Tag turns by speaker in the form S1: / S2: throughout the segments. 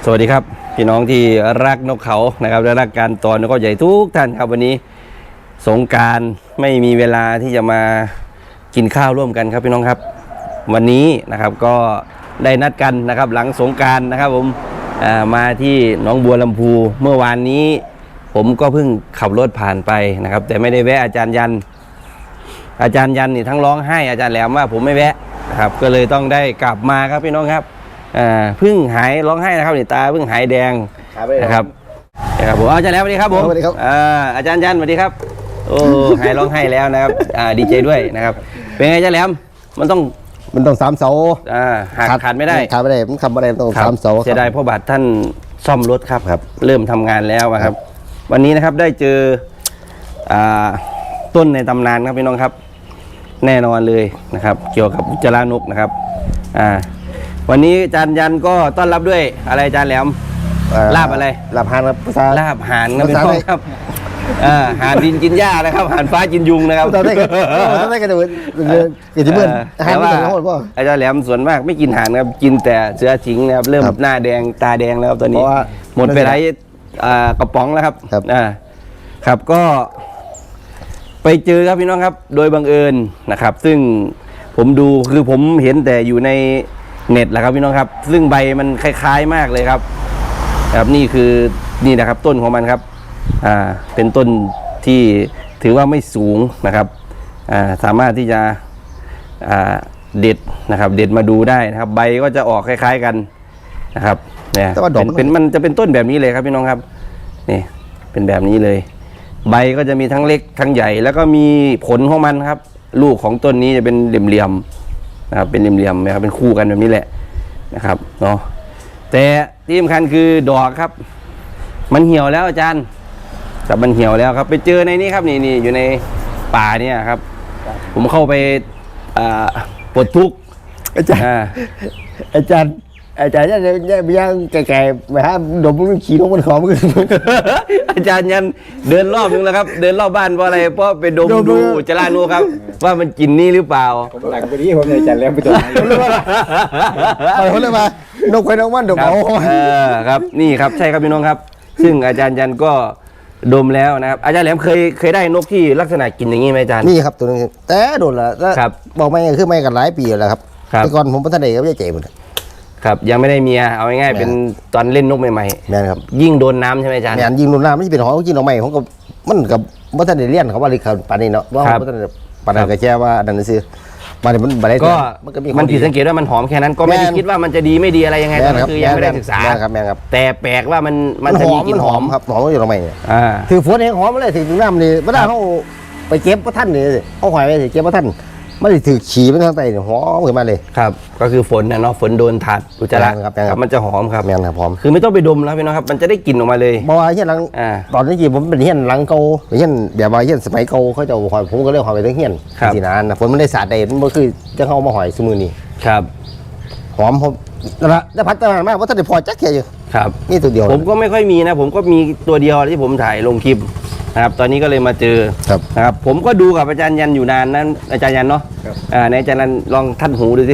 S1: สวัสดีครับพี่น้องที่รักนกเขานะครับและรักการตอนนกเขาใหญ่ทุกท่านครับวันนี้สงกรานต์ไม่มีเวลาที่จะมากินข้าวร่วมกันครับพี่น้องครับวันนี้นะครับก็ได้นัดกันนะครับหลังสงกรานต์นะครับผมมาที่หนองบัวลำพูเมื่อวานนี้ผมก็เพิ่งขับรถผ่านไปนะครับแต่ไม่ได้แวะอาจารย์ยันนี่ทั้งร้องไห้อาจารย์แหลมว่าผมไม่แวะนะครับก็เลยต้องได้กลับมาครับพี่น้องครับเพิ่งหายร้องไห้นะครับนี่ตาเพิ่งหายแดงนะครับผมอาจารย์แล้วสวัสดีครับผม
S2: สวัสดีครับ
S1: อาจารย์ยันสวัสดีครับโอ้หายร้องไห้แล้วนะครับดีใจด้วยนะครับเป็นไงอาจารย์แหลมมันต้อง
S2: 3 เสา
S1: ขาดไม่ได้
S2: มันทำอะไรต้อง3 เสา
S1: เสียดายพ่อบาทท่านซ่อมรถครับเริ่มทำงานแล้วครับวันนี้นะครับได้เจอต้นในตำนานครับพี่น้องครับแน่นอนเลยนะครับเกี่ยวกับอุจจาระนกนะครับวันนี้อาจารย์ยันก็ต้อนรับด้วยอะไรอาจารย์แหลมลาบอะไร
S2: ลาบห่านครับ
S1: ลาบห่านครับพี่น้องครับห่านดินกินหญ้านะครับห่านฟ้ากินยุงนะครับ
S2: ตอนนี้ก็จะเบื่อ
S1: แต่ว่าอาจารย์แหลมส่วนมากไม่กินห่านครับกินแต่เสือถิงนะครับเริ่มหน้าแดงตาแดงแล้วตอนนี้หมดไปหลายกระป๋องแล้วครับครับก็ไปเจอครับพี่น้องครับโดยบังเอิญนะครับซึ่งผมดูคือผมเห็นแต่อยู่ในเน็ตแหละครับพี่น้องครับซึ่งใบมันคล้ายๆมากเลยครับนี่คือนี่นะครับต้นของมันครับเป็นต้นที่ถือว่าไม่สูงนะครับสามารถที่จะเด็ดนะครับเด็ดมาดูได้นะครับใบก็จะออกคล้ายๆกันนะครับเนี่ยเป็นมันจะเป็นต้นแบบนี้เลยครับพี่น้องครับนี่เป็นแบบนี้เลยใบก็จะมีทั้งเล็กทั้งใหญ่แล้วก็มีผลของมันครับลูกของต้นนี้จะเป็นเหลี่ยมๆนะครับเป็นเหลี่ยมๆนะครับเป็นคู่กันแบบนี้แหละนะครับเนาะแต่ที่สำคัญคือดอกครับมันเหี่ยวแล้วอาจารย์แต่มันเหี่ยวแล้วครับไปเจอในนี้ครับนี่อยู่ในป่าเนี่ยครับผมเข้าไปปลดทุกข์
S2: อาจารย์ย่างแก่ๆไปฮะดมมันขี่นกมันขอมกัน
S1: อาจารย์ยันเดินรอบนึงแล้วครับเดินรอบบ้านเพราะอะไรเพราะไปดมดูอุจจาระนูครับว่ามันกินนี่หรือเปล่า
S2: ผมหลังไปนี้ผมอาจารย์แล้วไปดมเขาเลยมานกไปนกมันดมเอา
S1: ครับนี่ครับใช่ครับพี่น้องครับซึ่งอาจารย์ยันก็ดมแล้วนะครับอาจารย์แหลมเคยได้นกที่ลักษณะกินอย่างนี้ไหมอาจารย์
S2: นี่ครับตัวนึงแต่โดนละบอกไม่คือไม่กันหลายปีแล้วครับแต่ก่อนผมพัฒนาเองก็ไม่เจ๋งหมด
S1: ครับยังไม่ได้เมียเอาง่ายๆเป็นตอนเล่นนกใหม่
S2: ๆแม่นครับ
S1: ยิ่งโดนน้ำใช่ไหมอาจารย์
S2: ยิ่งโดนน้ำไม่ใช่เป็นหอกินหน่อใหม่ของกับมันกับพัฒนาเลี้ยนเขาว่าลิขิตปานนี้เนาะว่าพัฒนาปานนั้นก็แค่ว่าดันซื้อ
S1: ก็มันผิดสังเกตว่ามันหอมแค่นั้นก็ไม่ได้คิดว่ามันจะดีไม่ดีอะไรยังไงคือยังไม่ได้ศึกษาแต่แปลกว่ามันจะมีกลิ่นหอม
S2: ครับหอมอยู่หน่อใหม่ถือฝนเองหอมอะไรถือน้ำนี่เวลาเขาไปเก็บพระท่านนี่เขาหอยไปเก็บพระท่านไม่ได้ถือฉี่มันทางใต้หอมขึ้นมาเลย
S1: ครับก็คือฝนนะเนาะฝนโดนถาดอุจจาระครับมันจะหอมครับ
S2: แม่นครับหอม
S1: คือไม่ต้องไปดมแล้วพี่น้องครับมันจะได้กลิ่นออกมาเลย
S2: บอกว่าเฮี้ยนหลังตอนนี้จีผมเป็นเฮี้ยนหลังเก่าเฮี้ยนแบบว่าเฮี้ยนสมัยเก่าเขาจะหอยผมก็เรียกหอยไปทั้งเฮี้ยนสีนานนะฝนมันได้สาดได้มันก็คือจะเข้ามาหอยสมือนี่
S1: ครับ
S2: หอมผมแล้วพัฒนามากว่าถ้าได้พอจักแค่อยู่
S1: ครับ
S2: นี่ตัวเดียว
S1: ผมก็ไม่ค่อยมีนะผมก็มีตัวเดียวที่ผมถ่ายลงคลิปนะครับตอนนี้ก็เลยมาเจอนะครับผมก็ดูกับอาจารย์ยันอยู่นานนั้นอาจารย์ยันเนาะในอาจารย์ยันลองท่านหูดูสิ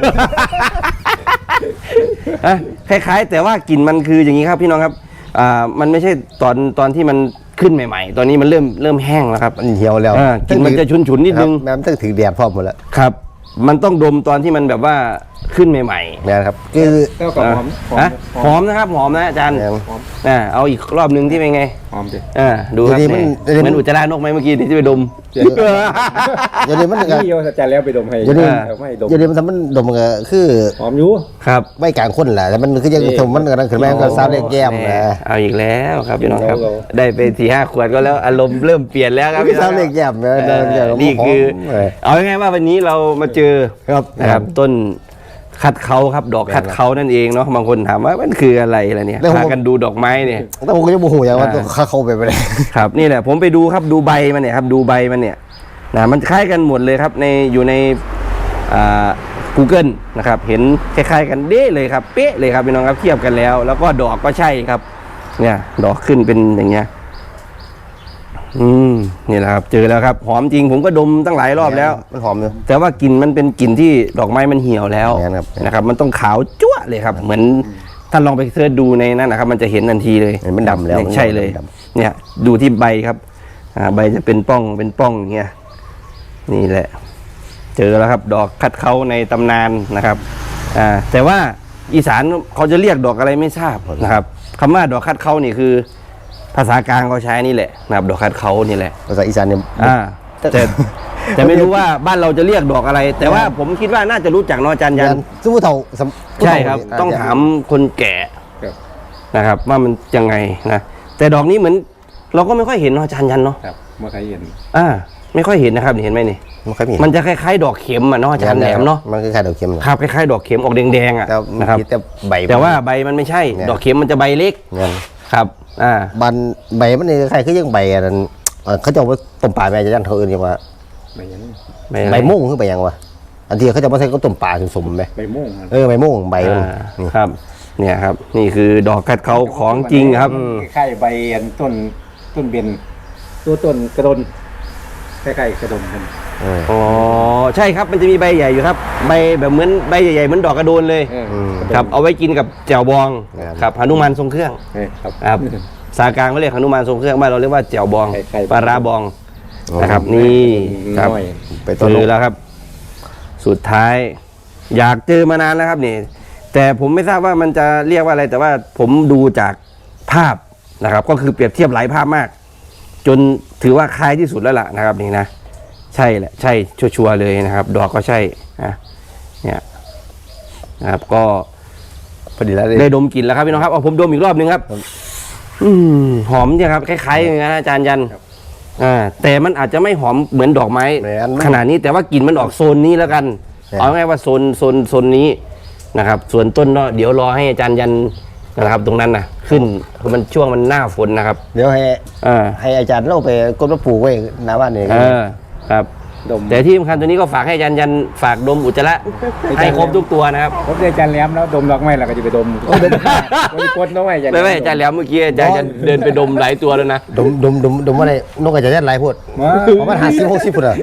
S1: คล้ายๆแต่ว่ากลิ่นมันคืออย่างนี้ครับพี่น้องครับมันไม่ใช่ตอนที่มันขึ้นใหม่ๆตอนนี้มันเริ่มแห้งแล้วครับ
S2: มันเหี่ยวแล้ว
S1: กลิ่นมันจะฉุนๆนิดนึง
S2: มันต้องถือแดดพร้อมหมดแล้ว
S1: ครับมันต้องดมตอนที่มันแบบว่าขึ้นใหม่
S2: ๆนะครับคือ
S1: หอมนะครับหอมนะอาจารย์เอาอีกรอบนึงที่เป็นไง
S2: หอมดิ
S1: ดูครับเหมือนอุจจาระนกไหมเมื่อกี้ที่ไปดม
S2: อย่าเดี๋ยวมัน
S3: นี่โยอาจารย์แล้วไปดมให้
S2: อย่าเดี๋ยวมันดมก็คือ
S3: หอมอยู่
S1: ครับ
S2: ไม่กลางคนแหละแต่มันคือยังสมมันกันขึ้นมาก็ซาเล็กแก้มนะ
S1: เอาอีกแล้วครับพี่น้องครับได้ไป4-5 ขวดก็แล้วอารมณ์เริ่มเปลี่ยนแล้วครับ
S2: ซาเล็กแก้ม
S1: นี่คือเอาง่ายๆว่าวันนี้เรามาเจอนะครับต้นคัดเขาครับดอกคัดเขานั่นเองเนาะบางคนถามว่ามันคืออะไรเนี่ยพากันดูดอกไม้เนี่ย
S2: แต่ผมก็ยังโมโหอย่างว่าเขาไปเลย
S1: ครับนี่แหละผมไปดูครับดูใบมันเนี่ยครับดูใบมันเนี่ยนะมันคล้ายกันหมดเลยครับอยู่ในGoogle นะครับเห็นคล้ายๆกันเด้เลยครับเป๊ะเลยครับพี่น้องครับเทียบกันแล้วก็ดอกก็ใช่ครับเนี่ยดอกขึ้นเป็นอย่างเงี้ยนี่แหละครับเจอแล้วครับหอมจริงผมก็ดมตั้งหลายรอบแล้ว
S2: มันหอมเลย
S1: แต่ว่ากลิ่นมันเป็นกลิ่นที่ดอกไม้มันเหี่ยวแล้วนะครับมันต้องขาวจั๊วเลยครับเหมือนท่านลองไปเสิร์ชดูในนั้นนะครับ มันจะเห็นทันทีเลย
S2: เห็นมันดำแล้ว
S1: ใช่เลย
S2: มันด
S1: เนี่ยดูที่ใบครับใบจะเป็นป้องอย่างเงี้ยนี่แหละ เจอแล้วครับ ดอกคัดเขาในตำนานนะครับแต่ว่าอีสานเขาจะเรียกดอกอะไรไม่ทราบนะครับคำว่าดอกคัดเขานี่คือ ภาษากลางเขาใช้นี่แหละนะครับดอกคัดเขานี่แหละ
S2: ภาษาอีสานเนี่ย
S1: แต่ไม่รู้ว่าบ้านเราจะเรียกดอกอะไร แต่ว่าผมคิดว่าน่าจะรู้จักเนาะอาจารย์ยัน
S2: ซึ่งผู้เฒ่าผู้
S1: ใช่
S2: เฒ่า
S1: ครับ
S2: นี่
S1: ต้องถามคนแก่
S3: ครับ
S1: นะครับว่ามันยังไงนะแต่ดอกนี้เหมือนเราก็ไม่ค่อยเห็นเนาะอาจารย์ยันเนาะ
S3: ครับเมื่อใครเห็น
S1: ไม่ค่อยเห็นนะครับเห็นไหมนี่
S2: มันค่อยมี
S1: มันจะคล้ายๆดอกเข็มอ่ะเนาะอาจารย์แหลมเนาะ
S2: มันคือคล้ายดอกเข็ม
S1: ครับคล้ายๆดอกเข็มออกแดงๆอ่ะ
S2: แต่
S1: นะครับ
S2: แต่ใบ
S1: แต่ว่าใบมันไม่ใช่
S2: เนี่ย
S1: ดอกเข็มมันจะใบเล็ก
S2: เงี้ย
S1: ครับ
S2: บันใบมันนี่คล้ายคือยังใบอันนั้นเขาจะเอาไว้ต้มปลาแม่จะยันเขาอื่นยังว่า
S3: ใบยัน
S2: ใบม่วงคือใบยังวะอันที่เขาจะมาใส่ก็ต้มปลาสมๆไหม
S3: ใบม่วงครับ
S2: ใบม่วงใบมันนี่
S1: ครับเนี่ยครับนี่คือดอกกัดเขาของจริงครับ
S3: คล้ายๆใบอันต้นเบนตัวต้นกระดนคล้ายๆกระดนกัน
S1: อ๋อใช่ครับมันจะมีใบใหญ่อยู่ครับใบแบบเหมือนใบใหญ่ๆเหมือนดอกกระโดนเลย ครับเอาไว้กินกับแจ่วบองครับหนุมานทรงเครื่อง
S3: ครับ
S1: ครับสากลางเขาเรียกหนุมานทรงเครื่องบ้านเราเรียกว่าแจ่วบอง
S3: ใครๆ
S1: ปลาร้าบองนะครับนี่ครับ
S3: น้อย
S2: ไปต้น
S1: เจ
S2: น
S1: อก แล้วครับ สุดท้าย อยากเจอมานานแล้วครับนี่แต่ผมไม่ทราบว่ามันจะเรียกว่าอะไร แต่ว่าผมดูจากภาพนะครับ ก็คือเปรียบเทียบหลายภาพมาก จนถือว่าคล้ายที่สุดแล้วล่ะนะครับนี่นะใช่แหละใช่ชัวร์ๆเลยนะครับ ดอกก็ใช่เนี่ยนะครับก็
S2: พอดีแล้ว
S1: ได้ดมกลิ่นแล้วครับพี่น้องครับเอาผมดมอีกรอบนึงครับหอมเนี่ยครับคล้ายๆอย่างนั้นนะอาจารย์ยันแต่มันอาจจะไม่หอมเหมือนดอกไม้ขนาดนี้แต่ว่ากลิ่นมันออกโซนนี้แล้วกันเอาง่ายว่าโซนนี้นะครับ ส่วนต้นเดี๋ยวรอให้อาจารย์ยันนะครับ ตรงนั้นนะขึ้นคือมันช่วงมันหน้าฝนนะครับ
S2: เดี๋ยวให้อาจารย์เราไปกดมาปลูกไว้หน้าบ้านนี่
S1: ครับ
S3: ดม
S1: แต่ที่สำคัญตัวนี้ก็ฝากให้อาจารย์ยันฝากดมอุจจาระให้ครบทุกตัวนะครับ
S3: ผมได้อาจารย์แหลมแล้วดมดอกไม้เราก็จะไปดมดมกดน้องไม้อาจารย์
S1: ไม่อาจารย์แล้วเมื่อกี้อาจารย์ยันเดินไปดมหลายตัวแล้วนะ
S2: ดมว่าอะไรนกอาจารย์ยันหลายพูดประมาณ50-60พุ่นอ่ะ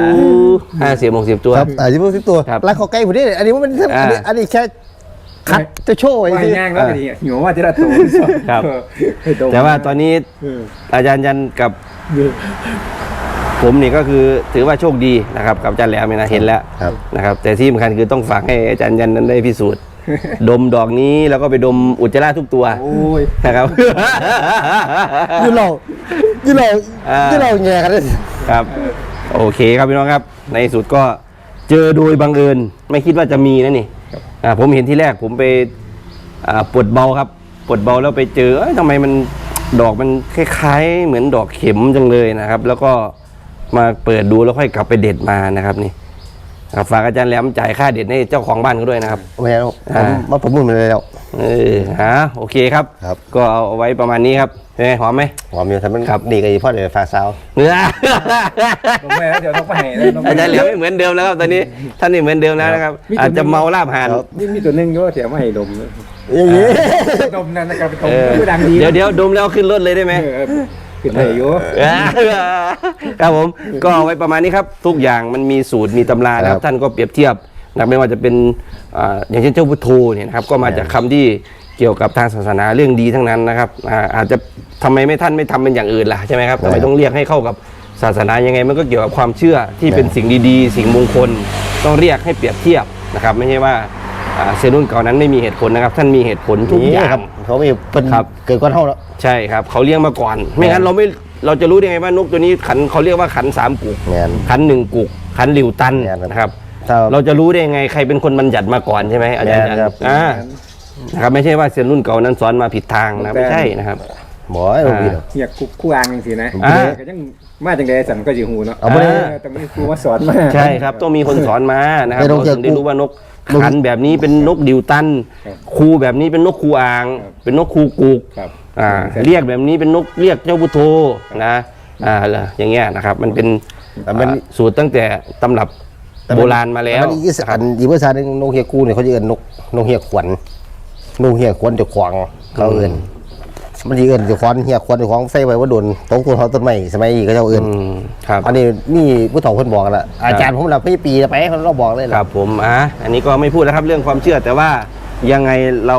S1: 50-60 ตัว
S2: ครับ50-60ตัว
S1: ครับ
S2: ร้านเขาใกล้พุ่นนี่อันนี้มันอันนี้แค่คัดจะโชว์ไอ้
S3: ว่า
S2: ที่
S3: ย่างแล้วก็ดีหิวว่าที่ละตัว
S1: ครับ
S3: ให้ดม
S1: แต่ว่าตอนนี้อาจารย์ยันกับผมนี่ก็คือถือว่าโชคดีนะครับกับอาจารย์แหลมเนี่ยนะเห็นแล้วนะครับ แต่ที่สำคัญคือต้องฝากให้อาจารย์ยันนั้นได้พิสูจน์ ดมดอกนี้แล้วก็ไปดมอุจจาระทุกตัว
S3: โอ้ย
S1: นะครับ
S2: ยืนเราแง่กันเลย
S1: ครับโอเคครับพี่น้องครับ ในที่สุดก็เจอโดยบังเอิญไม่คิดว่าจะมีนะนี่ผมเห็นที่แรกผมไปปวดเบาครับปวดเบาแล้วไปเจอทำไมมันดอกมันคล้ายๆเหมือนดอกเข็มจังเลยนะครับ แล้วก็มาเปิดดูแล้วค่อยกลับไปเด็ดมานะครับนี่ครับฝากอาจารย์แหลมจ่ายค่าเด็ดให้เจ้าของบ้านเขาด้วยนะครับ
S2: ไม่เอามาประมูลมาเลยแล้ว
S1: โอเคครับ
S2: ครับ
S1: ก็เอาไว้ประมาณนี้ครับเป็นไงหอมไหม
S2: หอมอยู่ทำมันดีกับพ่อเดี๋ยวฝากสาว
S1: เนื้อ
S3: ดมไม้แล้วเดี๋ยวต้องไปให้
S1: อาจารย์เหลียวไม่เหมือนเดิมแล้วครับตอนนี้ท่านนี่เหมือนเดิมแล้วนะครับ อาจจะเมาลาบห่าน
S3: นี่มีตัวนึงก็เสียไม่ให้ดม
S2: อย่างนี้
S3: ดมนั่นนะครับไปดมดังดี
S1: เดี๋ยวดมแล้วขึ้นรถเลยได้ไหม
S3: ขึ้นเลยอยู่
S1: ครับผมก็เอาไว้ประมาณนี้ครับทุกอย่างมันมีสูตรมีตำรานะครับท่านก็เปรียบเทียบนะไม่ว่าจะเป็นอย่างเช่นเจ้าพุทโธเนี่ยนะครับก็มาจากคำที่เกี่ยวกับทางศาสนาเรื่องดีทั้งนั้นนะครับอาจจะทำไมท่านไม่ทำเป็นอย่างอื่นล่ะใช่ไหมครับทำไมต้องเรียกให้เข้ากับศาสนายังไงมันก็เกี่ยวกับความเชื่อที่เป็นสิ่งดีๆ สิ่งมงคลต้องเรียกให้เปรียบเทียบนะครับไม่ใช่ว่าเซรุ่นเก่านั้นไม่มีเหตุผลนะครับท่านมีเหตุผลทุกอย่าง
S2: เขาไม่เป็น
S1: ครับ
S2: เกิดก้อนเท่าแล้ว
S1: ใช่ครับเขาเลี้ยงมาก่อน ไม่งั้นเราจะรู้ได้ไงว่านกตัวนี้ขันเขาเรียกว่าขัน3กุก
S2: แม่น
S1: ขัน1กุกขันหลิวตัน
S2: แม่นครับ
S1: นะครับ
S2: ถ้า
S1: เราจะรู้ได้ยังไงใครเป็นคนบัญญัติมาก่อนใช่ไหมอาจารย์
S2: แม่นครับ
S1: นะครับไม่ใช่ว่าเซียนรุ่นเก่านั้นสอนมาผิดทางนะไม่ใช่นะครับ
S2: หมอไอ้โรงเรียน
S3: เนี่ยคู่อ่างจังสินะก็ยังมาจังไดสันก็สิหูเนาะ
S2: เอาบ่ได้
S3: ต้องมีครูมาสอนมา
S1: ใช่ครับต้องมีคนสอนมานะครับ
S2: ไม่ต้อง
S1: เราถึงได้รู้ว่านกขันแบบนี้เป็นนกดิวตัน
S3: ครับ
S1: คูแบบนี้เป็นนกคูอ่าง
S3: ครับ
S1: เป็นนกคูกุก
S3: ครับ
S1: เรียกแบบนี้เป็นนกเรียกเจ้าพุทโธนะอย่างเงี้ยนะครับมันเป็น
S2: แต่มัน
S1: สูตรตั้งแต่ตำรับโบราณมาแล้ว
S2: มันอีสานอีภาษาหนึ่งนกเฮียกูเนี่ยเขาจะเอิ้นนกเฮียขวัญนกเฮียขวัญจะขวางเขาเอิ้นมันจะเอิ้นจะขวัญเฮียขวัญจะขวางใส่ไว้ว่าโดนตกต้นไม้สมัยนี้ก็เจ้าเอิ้น
S1: ครับ
S2: อันนี้นี่ผู้เฒ่าคนบอกกันละอาจารย์ผมเราพี่ปีไปเราบอกเลย
S1: ค
S2: ล่ะ
S1: รับผมอันนี้ก็ไม่พูดแล้วครับเรื่องความเชื่อแต่ว่ายังไงเรา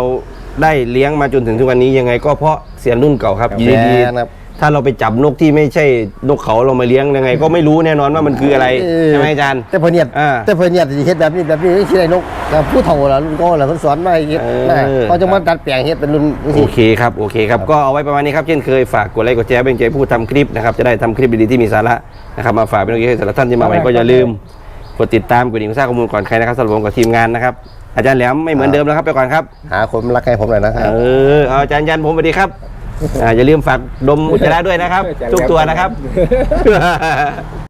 S1: ได้เลี้ยงมาจนถึงทุกวันนี้ยังไงก็เพราะเสียรุ่นเก่าครับอยู่ดี
S2: แม่นะครับ
S1: ๆถ้าเราไปจับนกที่ไม่ใช่นกเขาเรามาเลี้ยงยังไง ก็ไม่รู้แน่นอนว่ามันคืออะไรใช่ไหมอาจารย์
S2: แต่เพิ่นเนี่ย
S1: อ่า
S2: แต่เพิ่นเนี่ยสิเฮ็ดแบบนี้สิได้นกกับผู้เฒ่าล่ะรุ่นก่อนล่ะเพิ่นสอนมาให้เฮ็ดนะเขาจะมาดัดแปลงเฮ็ดเป็นรุ่นจัง
S1: โอ
S2: ซี่
S1: เคครับโอเคครับก็เอาไว้ประมาณนี้ครับเช่นเคยฝากกดไลค์กดแชร์เป็นใจผู้ทำคลิปนะครับจะได้ทำคลิปดีๆที่มีสาระนะครับมาฝากเป็นกำลังใจให้สำหรับท่านที่มาใหม่ก็อย่าลืมกดติดตามกดดิ่งสร้างข้อมูลก่อนใครนะครับสำหรับผมกับทีมงานนะครับอาจารย์แหลมไม่เหมือนเดิมแล้วครับไปก่อนครับ
S2: หาคนมารักให้ผมหน่อยนะครับ
S1: เอาอาจารย์ยันผมสวัสดีครับอย่าลืมฝากดมอุจจาระด้วยนะครับ ทุกตัวนะครับ